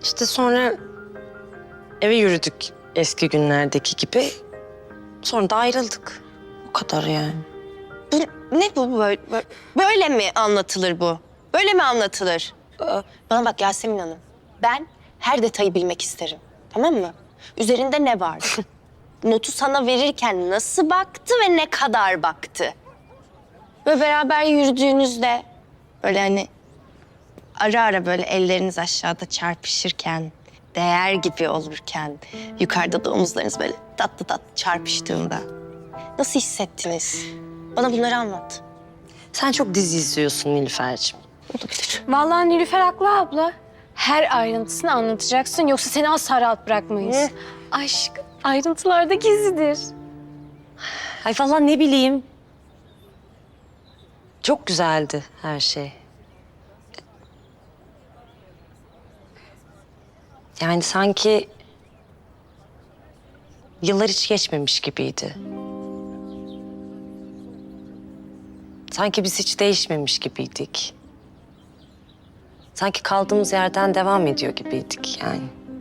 İşte sonra eve yürüdük eski günlerdeki gibi. Sonra da ayrıldık. O kadar yani. Ne bu böyle? Böyle mi anlatılır bu? Böyle mi anlatılır? Bana bak Yasemin Hanım. Ben her detayı bilmek isterim. Tamam mı? Üzerinde ne vardı? Notu sana verirken nasıl baktı ve ne kadar baktı? Ve beraber yürüdüğünüzde böyle hani ara ara böyle elleriniz aşağıda çarpışırken, değer gibi olurken, yukarıda da omuzlarınız böyle tatlı tatlı çarpıştığında nasıl hissettiniz? Bana bunları anlat. Sen çok dizi izliyorsun Nilüfer'cim. Olabilir. Vallahi Nilüfer haklı abla. Her ayrıntısını anlatacaksın yoksa seni asla rahat bırakmayız. Aşk ayrıntılarda gizlidir. Ay falan ne bileyim. Çok güzeldi her şey. Yani sanki yıllar hiç geçmemiş gibiydi. Sanki biz hiç değişmemiş gibiydik. Sanki kaldığımız yerden devam ediyor gibiydik yani.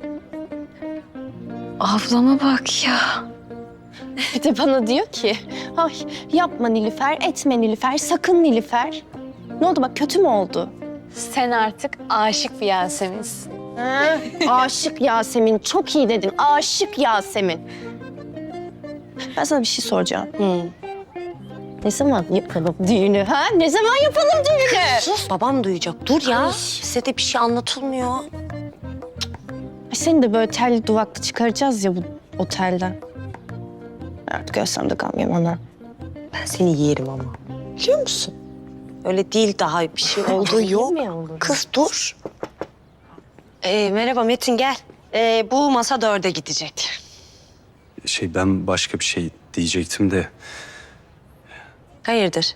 Ablama bak ya. Bir de bana diyor ki, ay yapma Nilüfer, etme Nilüfer, sakın Nilüfer. Ne oldu bak kötü mü oldu? Sen artık aşık bir Yasemin'sin. Ha? Aşık Yasemin, çok iyi dedin. Aşık Yasemin. Ben sana bir şey soracağım. Ne zaman yapalım düğünü ha? Ne zaman yapalım düğünü? Sus, babam duyacak. Dur ya. Size de bir şey anlatılmıyor. Ay, seni de böyle telli duvaklı çıkaracağız ya bu otelden. Artık ölsem de gam yemem ana. Ben seni yerim ama. Biliyor musun? Öyle değil, daha bir şey olduğu yok. Kız dur. Merhaba Metin, gel. Bu masa 4'e gidecek. Ben başka bir şey diyecektim de Hayırdır?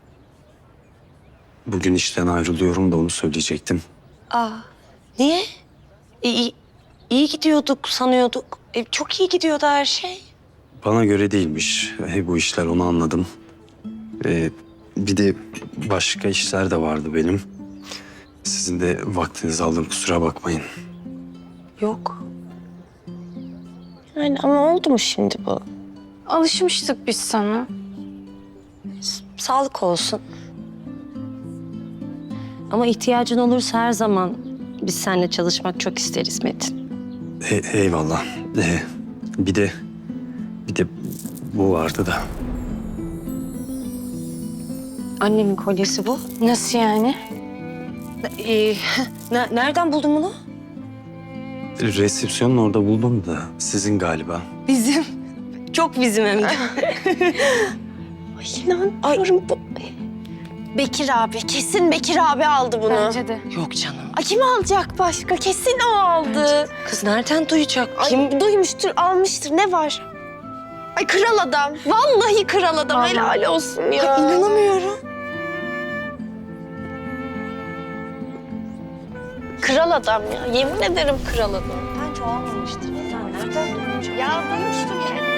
bugün işten ayrılıyorum da onu söyleyecektim. Niye? İyi gidiyorduk sanıyorduk. Çok iyi gidiyordu her şey. Bana göre değilmiş bu işler, onu anladım. Bir de başka işler de vardı benim. Sizin de vaktinizi aldım, kusura bakmayın. Yok. Yani ama oldu mu şimdi bu? Alışmıştık biz sana. Sağlık olsun. Ama ihtiyacın olursa her zaman biz seninle çalışmak çok isteriz Metin. Eyvallah. Bir de bu vardı da. Annemin kolyesi bu. Nasıl yani? Nereden buldun bunu? Resepsiyonun orada buldum da sizin galiba. Bizim. Çok bizim hem de. Ay inanmıyorum bu. Bekir abi, kesin Bekir abi aldı bunu. Bence de. Yok canım. Ay kim alacak başka? Kesin o aldı. Kız nereden duyacak? Ay, Kim? duymuştur, almıştır. Ne var? Ay kral adam. Vallahi kral adam. Vallahi. Helal olsun ya. Ay, inanamıyorum. Kral adam ya. Yemin ederim kral adam. Bence o almamıştır. Nereden duyacak? Ya duymuştur yani.